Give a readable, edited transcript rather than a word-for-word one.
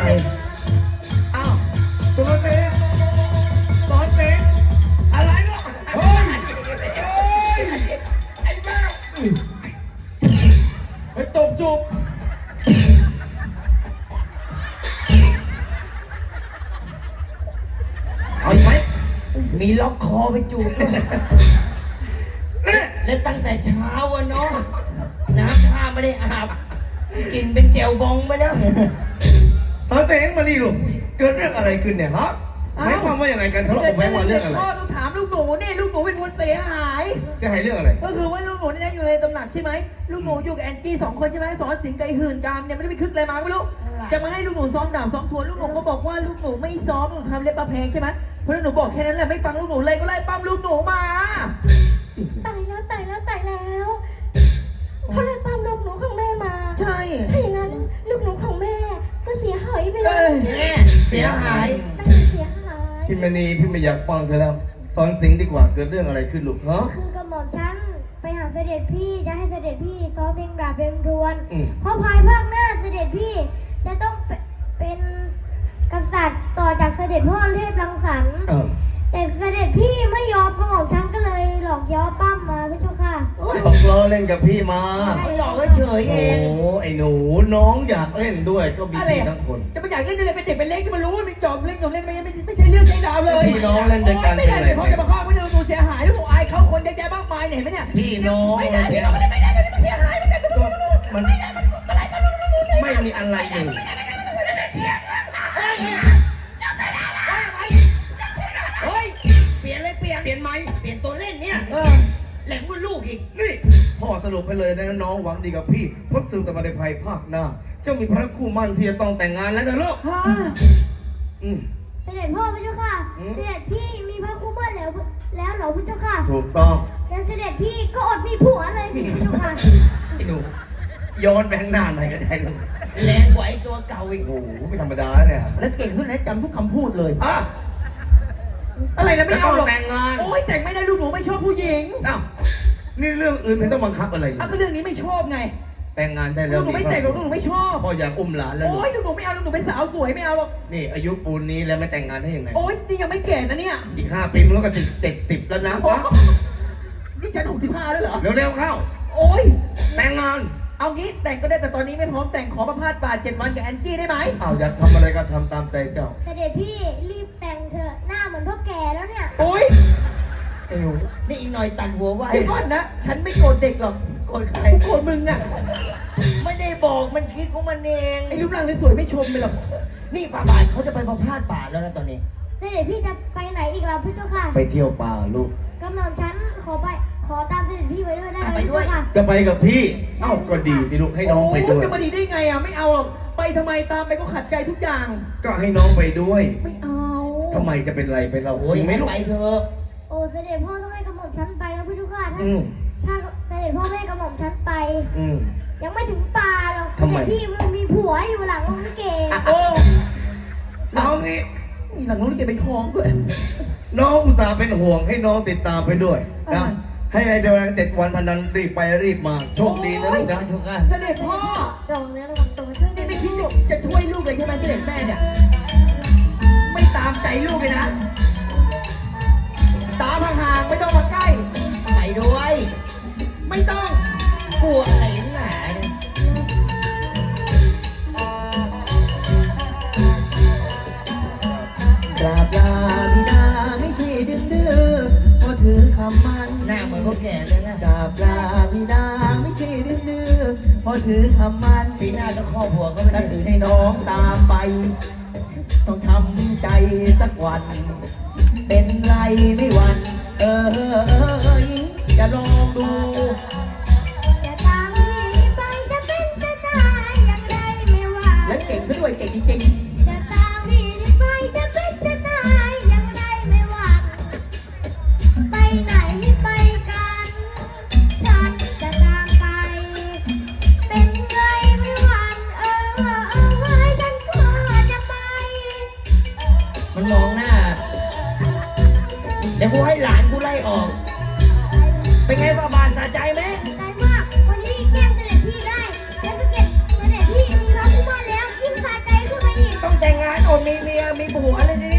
อ้าวสุรเสกสอนเสกอะไรเนาะเฮ้ยไอ้บ้าไปตบจูบเอาไหมมีล็อกคอไปจูบด้วยและตั้งแต่เช้าอะเนาะน้ำท่าไม่ได้อาบกินเป็นแจวบองไปแล้วสอนเสกมานี่ลูกเกิดเรื่องอะไรขึ้นเนี่ยฮะหมายความว่าอย่างไรกันทะเลาะกับแม่ว่าเรื่องอะไรพ่อต้องถามลูกหนูนี่ลูกหนูเป็นคนเสียหายเสียหายเรื่องอะไรก็คือว่าลูกหนูนี่อยู่ในตำหนักใช่ไหมลูกหนูอยู่กับแอนจี้2 คนใช่ไหมสอนสิงห์กับหื่นกามเนี่ยไม่ได้ไปคึกอะไรมาไม่รู้จะมาให้ลูกหนูซ้อมดาบซ้อมทวนลูกหนูก็บอกว่าลูกหนูไม่ซ้อมลูกทำเล็บประเพงใช่ไหมเพราะลูกหนูบอกแค่นั้นแหละไม่ฟังลูกหนูเลยก็ไล่ปั้มลูกหนูมาตายแล้วเขาเลยตามลูกหนูของแม่มาใช่ถ้าอย่างนั้นลูกหนูของแม่ก็เสียหายไปเลยเสียหายเสียหายพี่มณีพี่ไม่อยากฟังเธอแล้วสอนสิงดีกว่าเกิดเรื่องอะไรขึ้นลูกฮะคือกระหม่อมฉันไปหาเสด็จพี่จะให้เสด็จพี่ซ้อมเพลงดาบเพลงทวนเพราะภายภาคหน้าเสด็จพี่จะต้องเป็นกษัตริย์ต่อจากเสด็จพ่อเทพรังสรรค์แต่เสด็จพี่ไม่ยอมกระหม่อมฉันก็เลยหลอกย้อปั้มมาพี่เจ้าค่ะบอกล้อเล่นกับพี่มาหลอกเฉยเองโอ้ไอ้หนูน้องอยากเล่นด้วยก็มีพี่ทั้งคนจะไปอยากเล่นด้วยเป็นเด็กเป็นเล็กจะมารู้ไม่จอกเล่นเล่นไม่ใช่เรื่องใจดาวเลยพี่น้องเล่นด้วยกันไม่ได้เลยเพราะจะมาฆ่าไม่ได้ดูเสียหายแล้วผมอายเขาคนเยอะแยะมากมายเห็นไหมเนี่ยพี่น้องไม่ได้พี่น้องไม่ได้มันเสียหายมันไม่มีอะไรอยู่เฮ้ยเปลี่ยนไหมเปลี่ยนตัวเล่นเนี่ยแหลมกว่าลูกอีกนี่พ่อสรุปไปเลยนะน้องหวังดีกับพี่เพราะสืบแต่มาในภายภาคหน้าเจ้ามีพระคู่มั่นที่จะต้องแต่งงานแล้วนะลูกเสด็จพ่อพี่เจ้าค่ะเสด็จพี่มีพระคู่มั่นแล้วเหรอพี่เจ้าค่ะถูกต้องแล้วเสด็จพี่ก็อดมีผัวเลยพี่เจ้าค่ะไอ้หนูย้อนไปข้างหน้าหน่อยก็ได้ลูกแรงกว่าไอ้ตัวเก่าอีกโอ้โหไม่ธรรมดาเนี่ยแล้วเก่งขึ้นนะจำทุกคำพูดเลยอะอะไรนะไม่เอาหรอกแต่งงานโอ้ยแต่งไม่ได้ลูกหนูไม่ชอบผู้หญิงอ้าวนี่เรื่องอื่นไม่ต้องบังคับอะไรเลยก็เรื่องนี้ไม่ชอบไงแต่งงานได้แล้วลูกหนูไม่แต่งลูกหนูไม่ชอบพ่ออยากอุ้มหลานแล้วโอ้ยลูกหนูไม่เอาลูกหนูเป็นสาวสวยไม่เอาหรอกนี่อายุปูนนี้แล้วไม่แต่งงานได้ยังไงโอ้ยนี่ยังไม่แก่นะเนี่ยอีก5 ปีมันก็จะ70แล้วนะนี่ฉัน65แล้วเหรอเร็วๆเข้าโอ้ยแต่งงานเอางี้แต่งก็ได้แต่ตอนนี้ไม่พร้อมแต่งขอประพาสป่า7 วันกับแอนจี้ได้ไหมอ้าวอยากทำอะไรก็ทำตามใจเจ้าเสด็จพี่รีบแต่งเถอะหน้าเหมือนพ่อแก่แล้วเนี่ยโอ้ยไอ้หนูนี่อีกหน่อยตัดหัวไว้ไอ้ก้อนนะฉันไม่โกรธเด็กหรอกโกรธใครโกรธมึงอะไม่ได้บอกมันคิดของมันเองไอ้รูปร่างสวยไม่ชมไปหรอกนี่ป่าบาทเขาจะไปประพาสป่าแล้วนะตอนนี้เสด็จพี่จะไปไหนอีกล่ะพี่เจ้าค่ะไปเที่ยวป่าลูกกำลังฉันขอตามเสด็จพี่ไปด้วยได้ไหมพี่เจ้าค่ะจะไปกับพี่เอ้าก็ดีสิลูกให้น้องไปด้วยจะมาดีได้ไงอ่ะไม่เอาหรอกไปทำไมตามไปก็ขัดใจทุกอย่างก็ให้น้องไปด้วยไม่เอาทำไมจะเป็นไรไปเราโอ้ยไม่ไปเถอะโอ้เสด็จพ่อต้องให้กระหม่อมฉันไปนะพี่เจ้าค่ะถ้าเสด็จพ่อไม่ให้กระหม่อมฉันไปยังไม่ถึงป่าหรอกเสด็จพี่มันมีผัวอยู่หลังโรงลิเกโอ้น้องนี่มีหลังโรงลิเกเป็นคลองด้วยน้องอุตส่าห์เป็นห่วงให้น้องติดตามไปด้วยนะให้เจ้าแรง7 วันพันนั้นรีบไปรีบมาโชคดีนะลูกนะเสด็จพ่อตรงนี้ระวังตัวเพื่อนนี่ไม่คิดจะช่วยลูกเลยใช่ไหมเสด็จแม่เนี่ยไม่ตามใจลูกเลยนะตามห่างๆไม่ต้องมาใกล้ไปด้วยไม่ต้องกลัวอะไรหนาเนี่ยกราบลาบิดาไม่ใช่ดื้อพอถือคำมั่นหน้าเหมือนพวกแก่เลยนะกราบลาบิดาไม่ใช่ดื้อพอถือคำมั่นปีหน้าก็ครอบครัวก็ไม่ได้ถือให้น้องตามไปต้องทำใจสักวันเป็นไรไม่หวั่นจะลองดูจะตามพี่ไปจะเป็นจะตายอย่างไรไม่ว่าแล้วเก่งซะด้วยเก่งจริงๆจะตามพี่ไปจะเป็นจะตายอย่างไรไม่ว่าไปไหนไปกันฉันจะตามไปเป็นไรไม่หวั่นไว้ฉันก็จะไปมันมองหน้าเดี๋ยวกูให้หลานกูไล่ออกเป็นไงบ้าบานสะใจไหมใจมากวันนี้แก้มเสด็จพี่ได้แล้วเสด็จพี่มีพระคู่มั่นแล้วยิ่งสะใจขึ้นมาอีกต้องมีผัวเลยนี่